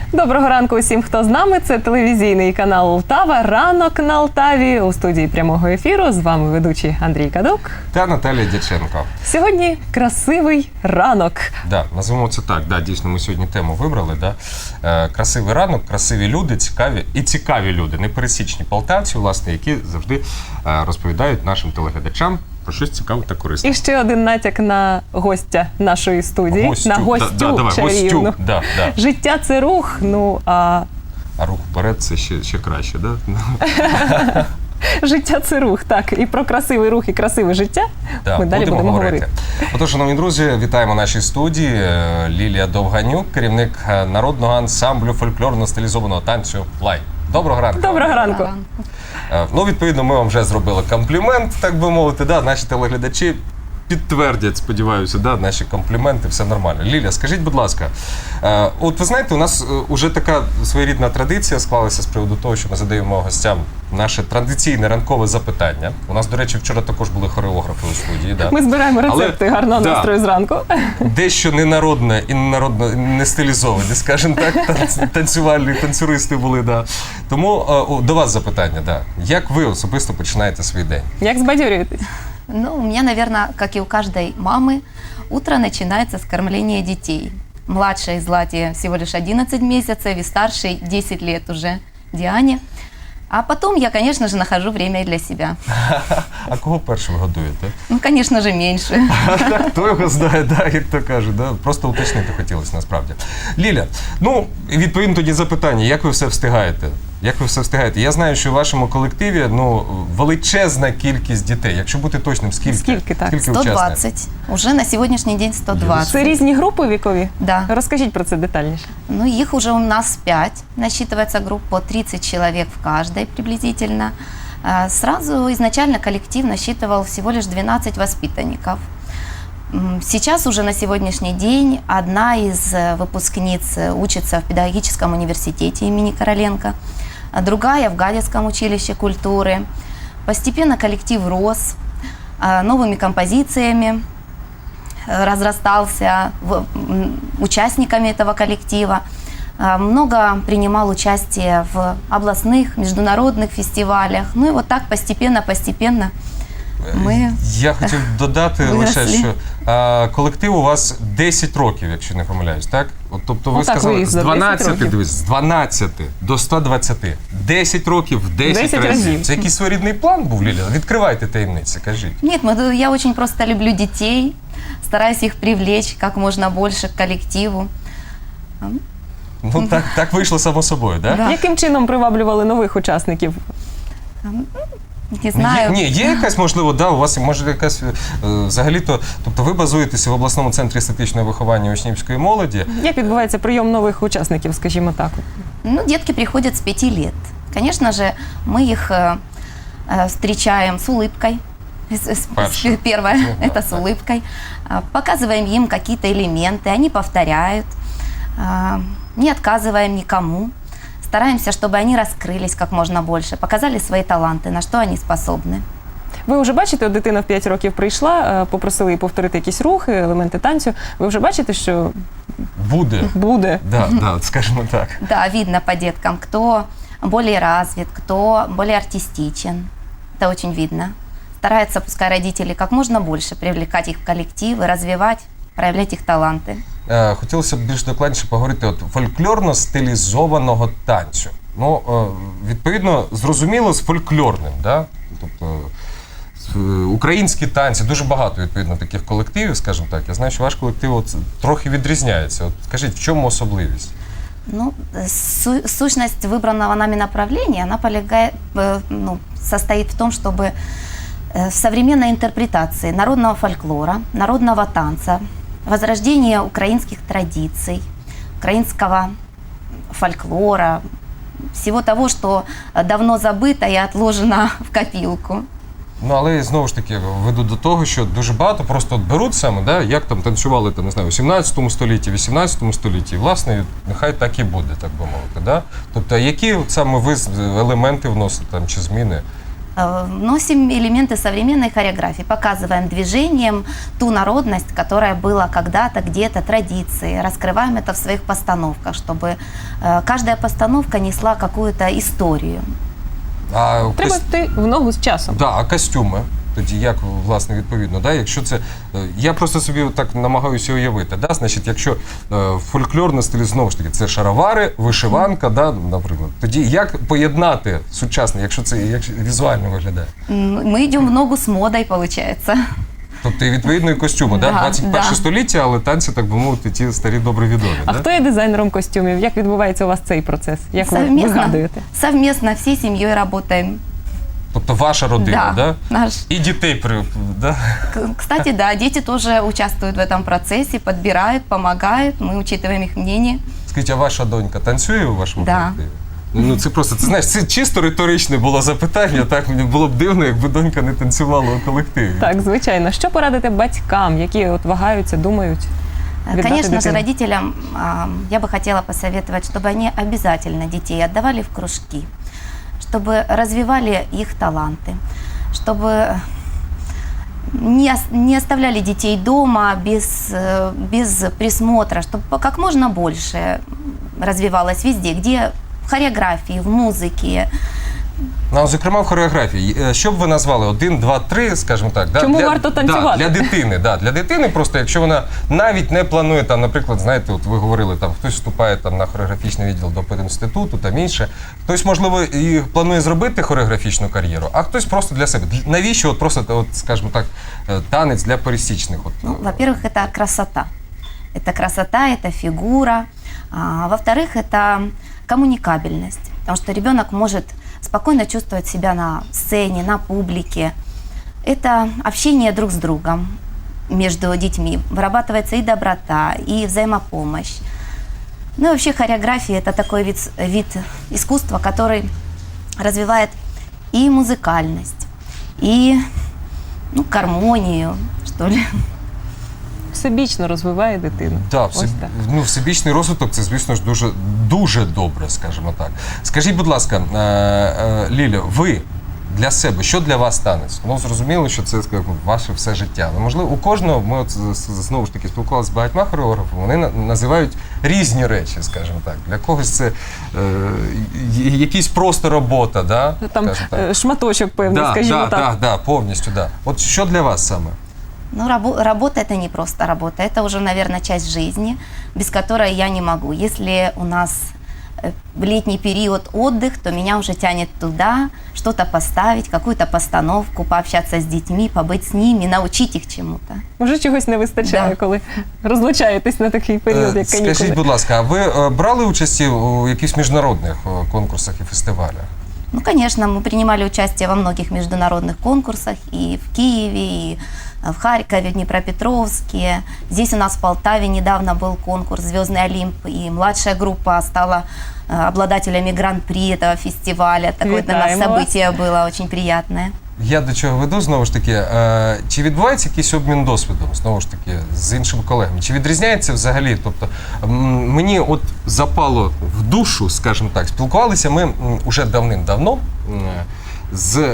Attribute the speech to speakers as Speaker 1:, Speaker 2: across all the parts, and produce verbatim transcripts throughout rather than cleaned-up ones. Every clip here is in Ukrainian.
Speaker 1: Доброго ранку усім, хто з нами. Це телевізійний канал Лтава. Ранок на Лтаві. У студії прямого ефіру з вами ведучий Андрій Кадук
Speaker 2: та Наталія Дяченко.
Speaker 1: Сьогодні красивий ранок.
Speaker 2: Да, назвемо це так. Да, дійсно, ми сьогодні тему вибрали. Да? Е, красивий ранок, красиві люди, цікаві і цікаві люди, непересічні полтавці, власне, які завжди е, розповідають нашим телеглядачам про щось цікаве та корисне.
Speaker 1: І ще один натяк на гостя нашої студії.
Speaker 2: Гостю.
Speaker 1: На гостю
Speaker 2: да, да, давай,
Speaker 1: чарівну.
Speaker 2: гостю. Да, да.
Speaker 1: Життя – це рух, ну а...
Speaker 2: А рух вперед – це ще, ще краще, да?
Speaker 1: Життя – це рух, так. І про красивий рух і красиве життя
Speaker 2: да,
Speaker 1: ми далі будемо, будемо говорити. говорити.
Speaker 2: Отож, шановні друзі, вітаємо в нашій студії. Лілія Довганюк, керівник народного ансамблю фольклорно-стилізованого танцю «Лай». Доброго ранку.
Speaker 1: Доброго ранку.
Speaker 2: Ну, відповідно, ми вам вже зробили комплімент, так би мовити, да? Наші телеглядачі підтвердять, сподіваюся, да, наші компліменти, все нормально. Ліля, скажіть, будь ласка, е, от ви знаєте, у нас вже така своєрідна традиція склалася з приводу того, що ми задаємо гостям наше традиційне ранкове запитання. У нас, до речі, вчора також були хореографи у студії. Да?
Speaker 1: Ми збираємо рецепти Але, гарного да, настрою зранку.
Speaker 2: Дещо ненародне і ненародне, не стилізоване, скажімо так, танцювальні танцюристи були. Да. Тому е, до вас запитання. Да. Як ви особисто починаєте свій день?
Speaker 1: Як збадьорюєтесь?
Speaker 3: Ну, у меня, наверное, как и у каждой мамы, утро начинается с кормления детей. Младшей Злате всего лишь одиннадцать месяцев и старшей десять лет уже Диане. А потом я, конечно же, нахожу время и для себя.
Speaker 2: А кого першим годуєте?
Speaker 3: Ну, конечно же, меньше.
Speaker 2: Хто його знає, да, як то кажуть. Да? Просто уточнити хотілося, насправді. Ліля, ну, відповідно тоді запитання, як ви все встигаєте? Як ви все встигаєте? Я знаю, що в вашому колективі ну, величезна кількість дітей. Якщо бути точним, скільки?
Speaker 1: Скільки, так?
Speaker 2: Скільки
Speaker 3: сто двадцать. Уже на сегодняшний день сто двадцать.
Speaker 1: Це різні групи вікові?
Speaker 3: Да.
Speaker 1: Розкажіть про це детальніше.
Speaker 3: Ну, их уже у нас пять. Насчитывается группа по тридцать человек в каждой приблизительно. Сразу изначально коллектив насчитывал всего лишь двенадцать воспитанников. Сейчас уже на сегодняшний день одна из выпускниц учится в педагогическом университете имени Короленко, а другая в Гадяцком училище культуры. Постепенно коллектив рос новыми композициями, разрастался участниками этого коллектива. Много принимал участие в областных, международных фестивалях. Ну и вот так постепенно-постепенно ми
Speaker 2: Я хотів додати
Speaker 3: виросли.
Speaker 2: лише, що а, колектив у вас десять років, якщо не помиляюсь, так? От, тобто ви
Speaker 1: Отак
Speaker 2: сказали,
Speaker 1: виїзд
Speaker 2: з дванадцяти,
Speaker 1: десять
Speaker 2: дивись, з дванадцяти до ста двадцяти. десять років, десять,
Speaker 1: десять
Speaker 2: разів.
Speaker 1: разів.
Speaker 2: Це якийсь своєрідний план був, Ліля? Відкривайте таємниці, кажіть.
Speaker 3: Нет, мы, я очень просто люблю детей, стараюсь их привлечь как можно больше к коллективу.
Speaker 2: Ну, так, так вийшло само собою, так?
Speaker 3: Да.
Speaker 1: Яким чином приваблювали нових учасників?
Speaker 3: Не знаю.
Speaker 2: Ні, є якась, можливо, да, у вас може якась, е, взагалі-то, тобто ви базуєтеся в обласному центрі естетичного виховання учнівської молоді.
Speaker 1: Як відбувається прийом нових учасників, скажімо так?
Speaker 3: Ну, детки приходят с пяти лет. Конечно же, мы их э, э, встречаем с улыбкой. С- с-
Speaker 2: Паша.
Speaker 3: Первое,
Speaker 2: Ну, да,
Speaker 3: это с
Speaker 2: да.
Speaker 3: улыбкой. А, Показываем им какие-то элементы, они повторяют. А, Не отказываем никому. Стараемся, чтобы они раскрылись как можно больше, показали свои таланты, на что они способны.
Speaker 1: Ви вже бачите, от дитина в п'ять років прийшла, попросили її повторити якісь рухи, елементи танцю. Ви вже бачите, що
Speaker 2: Буде.
Speaker 1: буде?
Speaker 2: Да, да, скажімо так.
Speaker 3: Да, видно по деткам, кто более развит, кто более артистичен. Это очень видно. Стараются, пускай родители, как можно больше привлекать их в коллективы, развивать, проявлять их таланты.
Speaker 2: Е, Хотілося б більш докладніше поговорити от фольклорно-стилізованого танцю. Ну, е, відповідно, зрозуміло, з фольклорним, да? Тобто е, українські танці, дуже багато, відповідно, таких колективів, скажімо так. Я знаю, що ваш колектив от, трохи відрізняється. От, скажіть, в чому особливість?
Speaker 3: Ну, су- сущность выбранного нами направления, она полягает, э, ну, состоит в том, чтобы э, в современной интерпретации народного фольклора, народного танца, возрождение украинских традиций, украинского фольклора, всего того, что давно забыто и отложено в копилку.
Speaker 2: Ну, але знову ж таки веду до того, що дуже багато просто от беруть саме, да, як там танцювали там, не знаю, у сімнадцятому столітті, вісімнадцятому столітті, і, власне, нехай так і буде, так би мовити. Да? Тобто, які от саме ви елементи вносите там, чи зміни?
Speaker 3: Э, Вносим элементы современной хореографии, показываем движением ту народность, которая была когда-то, где-то, традиции. Раскрываем это в своих постановках, чтобы э, каждая постановка несла какую-то историю.
Speaker 2: А,
Speaker 1: Треба
Speaker 2: кос-
Speaker 1: йти в ногу з часом.
Speaker 2: да, а костюми? Тоді як, власне, відповідно, да? Якщо це, е, я просто собі так намагаюся уявити, да? Значить, якщо е, фольклорна стиль, знову ж таки, це шаровари, вишиванка, да, наприклад, тоді як поєднати сучасне, якщо це як візуально виглядає?
Speaker 3: М, Мы идем в ногу с модой, получается.
Speaker 2: Тобто, і відповідно, і костюми, да?
Speaker 3: Да,
Speaker 2: двадцять перше
Speaker 3: да.
Speaker 2: століття, але танці, так би мовити, ті старі добре відомі.
Speaker 1: А
Speaker 2: да?
Speaker 1: хто є дизайнером костюмів? Як відбувається у вас цей процес? Як ви
Speaker 3: Совместно,
Speaker 1: вигадуєте?
Speaker 3: совместно всей семьей работаем.
Speaker 2: Тобто ваша родина, да?
Speaker 3: Наш.
Speaker 2: І дітей, при- да?
Speaker 3: К- Кстати, да, дети тоже участвуют в этом процессе, подбирают, помогают, мы учитываем их мнение.
Speaker 2: Скажіть, а ваша донька танцює у вашому
Speaker 3: Да.
Speaker 2: колективі? Ну це просто, це знаєш, це чисто риторичне було запитання. Так мені було б дивно, якби донька не танцювала у колективі.
Speaker 1: Так, звичайно. Що порадити батькам, які от вагаються, думають?
Speaker 3: Э,
Speaker 1: Віддати
Speaker 3: Конечно же,
Speaker 1: дитину?
Speaker 3: родителям а, я бы хотела посоветовать, чтобы они обязательно детей отдавали в кружки, чтобы развивали их таланты, чтобы не, ос- не оставляли детей дома без, э, без присмотра, чтобы как можно больше развивалось везде, где в хореографии, в музыке.
Speaker 2: Ну, а, зокрема, в хореографії. Е, Що б ви назвали? Один, два, три, скажімо так. Да?
Speaker 1: Чому
Speaker 2: для,
Speaker 1: варто танцювати?
Speaker 2: Да, для дитини, да. Для дитини просто, якщо вона навіть не планує, там, наприклад, знаєте, от ви говорили, там, хтось вступає там, на хореографічний відділ до пединституту, там інше. Хтось, можливо, і планує зробити хореографічну кар'єру, а хтось просто для себе. Для- Навіщо, от просто, от, скажімо так, е, танець для пересічних? От,
Speaker 3: Ну, во-первых, это красота. Это красота, это фигура. А, во-вторых, это коммуникабельность. Потому что ребенок может спокойно чувствовать себя на сцене, на публике. Это общение друг с другом между детьми. Вырабатывается и доброта, и взаимопомощь. Ну и вообще хореография – это такой вид, с- вид искусства, который развивает и музыкальность, и ну, гармонию, что ли.
Speaker 1: Всебічно розвиває дитину.
Speaker 2: Да,
Speaker 1: Ось
Speaker 2: всеб...
Speaker 1: так.
Speaker 2: ну, всебічний розвиток це, звісно ж, дуже, дуже добре, скажімо так. Скажіть, будь ласка, е, е, Ліля, ви для себе, що для вас танець? Ну, зрозуміло, що це скажімо, ваше все життя. Але, можливо, у кожного, ми от, з- з- знову ж таки спілкувалися з багатьма хореографами, вони на- називають різні речі, скажімо так. Для когось це е, й- якийсь просто робота, да?
Speaker 1: Там
Speaker 2: скажімо так.
Speaker 1: е, шматочок певний,
Speaker 2: Да,
Speaker 1: скажімо
Speaker 2: да,
Speaker 1: так.
Speaker 2: да, да, повністю, да. От що для вас саме?
Speaker 3: Ну, рабо- работа – это не просто работа, это уже, наверное, часть жизни, без которой я не могу. Если у нас э, в летний период отдых, то меня уже тянет туда, что-то поставить, какую-то постановку, пообщаться с детьми, побыть с ними, научить их чему-то.
Speaker 1: Може, чогось не вистачає,
Speaker 3: Да.
Speaker 1: коли розлучаєтесь на такий період,
Speaker 2: Е,
Speaker 1: як канікули.
Speaker 2: Скажіть, будь ласка, а ви е, брали участь у якихось міжнародних е, конкурсах і фестивалях?
Speaker 3: Ну, конечно, мы принимали участие во многих международных конкурсах и в Киеве, и в Харькове, в Днепропетровске. Здесь у нас в Полтаве недавно был конкурс «Звездный Олимп», и младшая группа стала э, обладателями гран-при этого фестиваля. Такое для нас
Speaker 1: Витаем вас.
Speaker 3: событие было очень приятное.
Speaker 2: Я до чого веду, знову ж таки, е, чи відбувається якийсь обмін досвідом, знову ж таки, з іншими колегами? Чи відрізняється взагалі? Тобто, м, мені от запало в душу, скажімо так, спілкувалися ми м, уже давним-давно м, з е,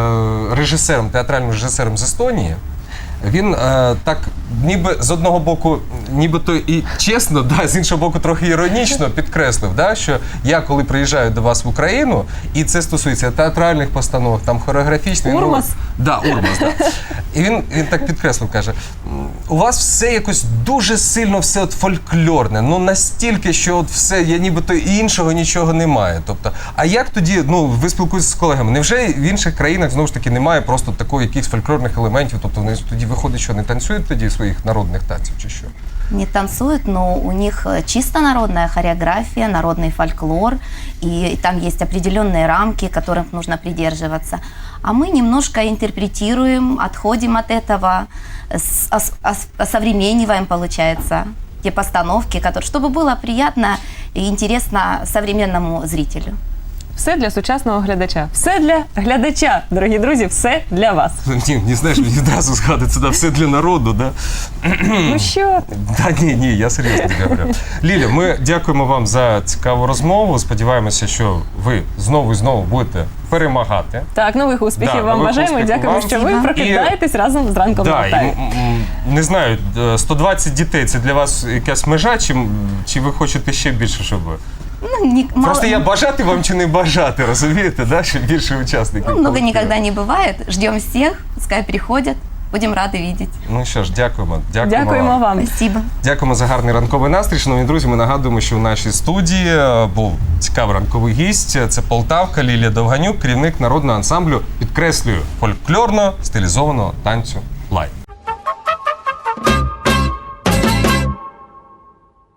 Speaker 2: режисером, театральним режисером з Естонії. Він е, так, ніби з одного боку, нібито і чесно, да, з іншого боку, трохи іронічно підкреслив, да, що я, коли приїжджаю до вас в Україну, і це стосується театральних постановок, там хореографічних.
Speaker 1: Урмас?
Speaker 2: Ну, да, Урмас, да. І він, він так підкреслив, каже, «М, у вас все якось дуже сильно все от фольклорне, ну настільки, що от все, я нібито і іншого нічого немає. Тобто, а як тоді, ну, ви спілкуєтеся з колегами, невже в інших країнах, знову ж таки, немає просто такої якихось фольклорних елементів, тобто вони тоді виходить, що не танцюють тоді своїх народних танців чи що?
Speaker 3: Не танцуют, но у них э, чисто народная хореография, народный фольклор, и там есть определенные рамки, которых нужно придерживаться. А мы немножко интерпретируем, отходим от этого, с- ос- ос- осовремениваем, получается, те постановки, которые, чтобы было приятно и интересно современному зрителю.
Speaker 1: Все для сучасного глядача. Все для глядача, дорогі друзі, все для вас.
Speaker 2: Ні, не знаєш, мені одразу згадується, да, все для народу, да?
Speaker 1: Ну що?
Speaker 2: Та ні, ні, я серйозно тобі говорю. Ліля, ми дякуємо вам за цікаву розмову. Сподіваємося, що ви знову і знову будете перемагати.
Speaker 1: Так, нових успіхів
Speaker 2: Да,
Speaker 1: вам
Speaker 2: нових
Speaker 1: бажаємо.
Speaker 2: успіхів
Speaker 1: Дякуємо,
Speaker 2: вам.
Speaker 1: що ви
Speaker 3: І-
Speaker 1: прокидаєтесь разом з ранком на
Speaker 2: Да, і,
Speaker 1: Алтаві.
Speaker 2: м, м, не знаю, е, сто двадцять дітей це для вас якась межа, чи, м, чи ви хочете ще більше, щоб ви?
Speaker 3: Ну, не- мало-
Speaker 2: Просто я бажати вам чи не бажати, розумієте, да? Щоб більше учасників.
Speaker 3: ну, много
Speaker 2: колективу.
Speaker 3: никогда не бывает. Ждем всех, пускай приходят. Будем рады видеть.
Speaker 2: Ну що ж, дякуємо. Дякуємо,
Speaker 1: Дякуємо вам.
Speaker 3: Спасибо.
Speaker 2: Дякуємо за гарний ранковий настрій. Шановні друзі, ми нагадуємо, що в нашій студії е, був цікавий ранковий гість. Це Полтавка Лілія Довганюк, керівник народного ансамблю, підкреслюю, фольклорно-стилізованого танцю